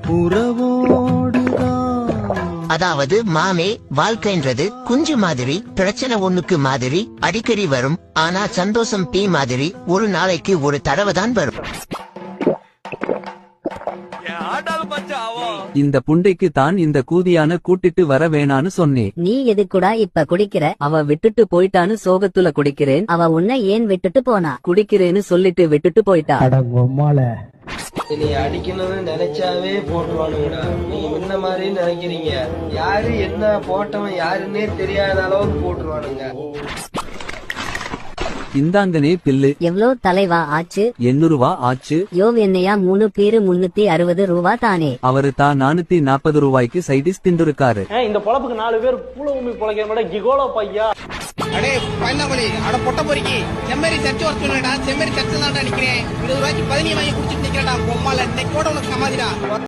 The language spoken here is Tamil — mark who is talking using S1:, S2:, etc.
S1: அதாவது மாமே, வாழ்க்கைன்றது குஞ்சு மாதிரி, பிரச்சனை ஒண்ணுக்கு மாதிரி அடிக்கடி வரும். ஆனா சந்தோஷம் பீ மாதிரி ஒரு நாளைக்கு ஒரு தடவை தான் வரும்.
S2: இந்த புண்டைக்கு தான் இந்த கூதியான கூட்டிட்டு வர வேணான்னு சொன்னேன்.
S3: நீ எதுக்குடா இப்ப குடிக்கிற?
S2: அவ விட்டுட்டு போயிட்டான்னு சோகத்துல குடிக்கிறேன்.
S3: அவ உன்னை ஏன் விட்டுட்டு போனா?
S2: குடிக்கிறேன்னு சொல்லிட்டு விட்டுட்டு போயிட்டா.
S4: நீ அடிக்கணும்னு நினைச்சாவே போட்டுருவானுங்கடா. நீங்க முன்ன மாதிரி நினைக்கிறீங்க. யாரு என்ன போட்டவன் யாருன்னே தெரியாத அளவுக்கு போட்டுருவானுங்க.
S2: இந்தாங்கனே பில்லு.
S3: எவ்வளோ தலைவா ஆச்சு?
S2: 800 ரூபா ஆச்சு.
S3: யோவ் என்னையா 3 பேரு 360 ரூபா தானே?
S2: அவரு தான் 440 ரூபாய்க்கு சைடிஸ் தின்றுருக்காரு.
S5: இந்த பொழப்புக்கு 4 பேர் பூல உமி பொழைக்கிற மாதிரி கிகோலோ பையா.
S6: அடே பயந்தாமணி, அட பொட்ட பொறுக்கி, செம்மறி சர்ச்சு வர சொல்லுடா. செம்மறி சர்ச்சு தான்டா நிக்கிறேன். 20 ரூபாய்க்கு 15 வாங்கி குடிச்சிட்டு நிக்கிறடா. பொம்மால இன்னைக்கு கூட உனக்கு சமாதிடா.